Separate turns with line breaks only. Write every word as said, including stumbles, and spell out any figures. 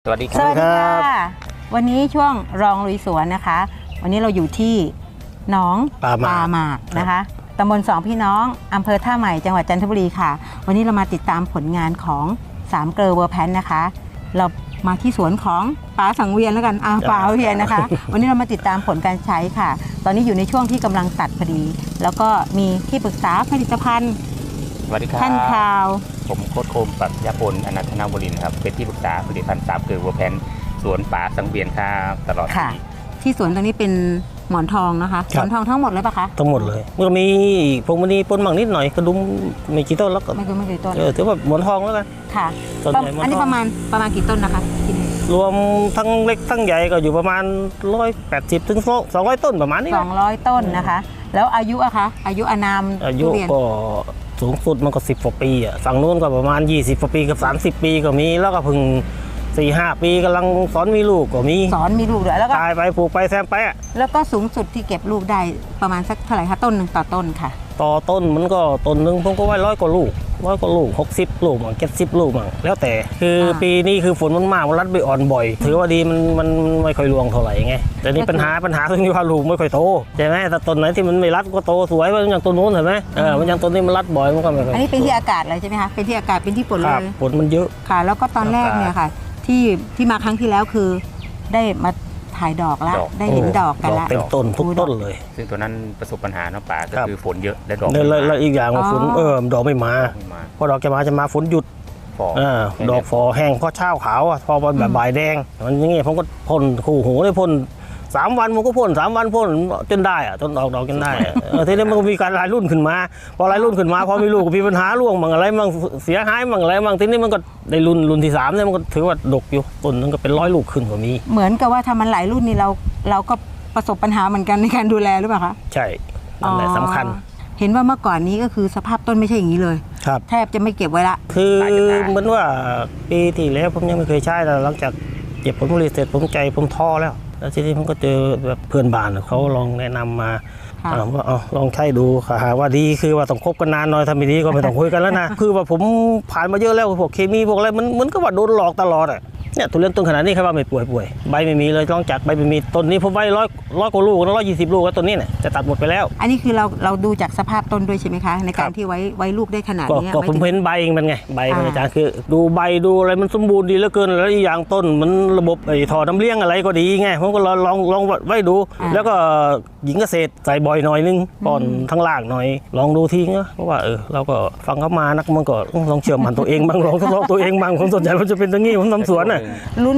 วัสดีค
ส
รับ
วัสดีค่ะวันนี้ช่วงรองลุยสวนนะคะ วันนี้เราอยู่ที่หนอง
ปลาหมาก
หมากนะคะตำบลสองพี่น้องอำเภอท่าใหม่จังหวัดจันทบุรีค่ะ วันนี้เรามาติดตามผลงานของสามเกลอเวอร์แพนนะคะ เรามาที่สวนของป๋าสังเวียนแล้วกันอ่าป๋าเวียนนะคะ วันนี้เรามาติดตามผลการใช้ค่ะ ตอนนี้อยู่ในช่วงที่กำลังตัดพอดี แล้วก็มีที่ปรึกษาผลิตภัณฑ์
สวัสดีครับ
ท่านข่าว
ผมโค้ชโคมปรัชญาพลอนันทนาวรินทร์ครับเป็นที่ปรึกษาผลิตภัณฑ์สามเกลือวัวแพนสวนป่าสังเวียนครับตลอด
ค่ะ
ปี
ที่สวนตรงนี้เป็นหมอนทองนะคะหมอนทองทั้งหมดเลยปะคะ
ทั้งหมดเลยมันก็มีพวงมณีปนบางนิดหน่อยกระดุมไม่กี่ต้นแล้วก็
ไม่รู้ไม่กี่ต้น
เออถือว่าหมอนทองแล้วกัน
ค่ะ
ต้นใหญ่หมอนทอง
อันนี้ประมาณประมาณกี่ต้นนะคะที่นี่
รวมทั้งเล็กทั้งใหญ่ก็อยู่ประมาณร้อยแปดสิบถึงสองร้อยต้นประมาณนี้
สองร้อยต้นนะคะ แล้วอายุอะคะอายุอานาม
อายุ
ทุเรีน
ก็สูงสุดมันก็สิบกว่าปีอ่ะฝั่งนู้นก็ประมาณยี่สิบกว่าปีกับสามสิบปีก็มีแล้วก็เพิ่งสี่ห้าปีกำลังสอนมีลูกก็มี
สอนมีลูกด้วยแล้วก็
ตายไปปลูกไปแซมไปอ่ะ
แล้วก็สูงสุดที่เก็บลูกได้ประมาณสักเท่าไหร่คะต้นหนึ่งต่อต้นค่ะ
ต่อต้นมันก็ต้นหนึ่งผมก็ไว้ร้อยกว่าลูกร้อยกว่าลูกหกสิบลูกมั่งเจ็ดสิบลูกมั่งแล้วแต่คืออา ปีนี้คือฝนมันมากมันรัดใบอ่อนบ่อย ถือว่าดีมันมันไม่ค่อยรวงเท่าไหร่ไงแต่นี่ปัญหาปัญหาตรงที่ว่าลูกไม่ค่อยโตใช่ไหมแต่ต้นไหนที่มันไม่รัดก็โตสวยมันอย่างต้นนู้นเห็นไหมเออมันอย่างต้นนี้มันรัดบ่อยมันก็ไม่ค่อย
อันนี้เป็นที่อากาศเลยใช่ไหมคะเป็นที่อากาศเป็นที่ฝน
ค
เล
รับ
ย
ฝนมันเยอะ
ค่ะ แล้วก็ตอนแรกเนี่ยค่ะ ที่ที่มาครั้งที่แล้วคือได้มาถ่ายดอกแล้วได้เห็นดอกกัน
ดอก
แล้ว
เต็มต้นทุกต้นเลย
ซึ่งตัวนั้นประสบปัญหาเนาะป่าก็
ครับ
คือฝนเยอะและดอก
แล้ว
ไม่
แล้ว
มา
แล้วอีกอย่างว่าฝน
อ๋อ
เออดอกไม่มา
ไม่มา
พอดอกจะมาจะมาฝนหยุด
ฟอ
อ่าดอกฟอแห้งเพราะเช้าขาวอ่ะพอแบบบ่ายแดงมันอย่างเงี้ยผมก็พ่นคู่หูเลยพ่นสามวันผมก็พ่นสามวันพ่นจนได้อ่ะจนออกดอกจนได้อะเออทีนี้มันก็มีการรายรุ่นขึ้นมา พอรายรุ่นขึ้นมาพอมีลูกก็มีปัญหาร่วงมั่งอะไรมั่งเสียหายมั่งอะไรมั่งทีนี้มันก็ได้รุ่นรุ่นที่สามเนี่ยมันก็ถือว่าดกอยู่ต้นนึงก็เป็นร้อยลูกขึ้นกว่ามี
เหมือนกับว่าทำมันหลายรุ่นนี่เราเราก็ประสบปัญหาเหมือนกันในการดูแลหรือเปล่าคะ
ใช่นั่นแหละสำคัญ
อ๋อเห็นว่าเมื่อก่อนนี้ก็คือสภาพต้นไม่ใช่อย่างนี้เลย
ครับ
แทบจะไม่เก็บไว้ละ
คือเหมือนว่าปีที่แล้วผมยังไม่เคยใช้แต่หลังจากเก็บผลผลิตเสร็จผมใจผมท้อแล้ว แล้วทีนี้ผมก็เจอแบบเพื่อนบ้านเขาลองแนะนำมา
ค่ะ
อ่าว่าเอาลองใช้ดูค่ะหาว่าดีคือว่าต้องคบกันนานหน่อยถ้าไม่ดีก็ไม่ต้องคุยกันแล้วนะ คือว่าผมผ่านมาเยอะแล้วพวกเคมีพวกอะไรมันเหมือนกับว่าโดนหลอกตลอดอ่ะเนี่ยทุเรียนต้นขนาดนี้ใครว่าไม่ป่วยป่วยใบไม่มีเลยลองจากใบไม่มีต้นนี้ผมไว้ร้อยร้อยกว่าลูกร้อยยี่สิบลูกแล้วต้นนี้เนี่ยจะตัดหมดไปแล้ว
อันนี้คือเราเราดูจากสภาพต้นด้วยใช่ไหมคะ ในการ
ครับ
ที่ไว้ไว้ลูกได้ขนาด
ก็
นี้
ก็
หาย
ผม
ถึง
เห็นใบมันไงใบมัน
อ่า
อาจารย์คือ ดูใบดูอะไรมันสมบูรณ์ดีเหลือเกินแล้วอีกอย่างต้นมันระบบไอ้ท่อน้ำเลี้ยงอะไรก็ดีไงผมก็ลองลองลองไว้ดู แล้วก็หญิงเกษตรใส่บ่อยหน่อยนึงป้อนทั้งล่างหน่อย ลองดูทีนะเพราะว่าเออเราก็ฟังเขามานักมันก็ลองเชื่อมันตัวเองบ้างลองทดลองตัวเองบ้างผมสนใจว่าจะเป็นตรงนี้ผมทำสวนน่ะ
ลุ้น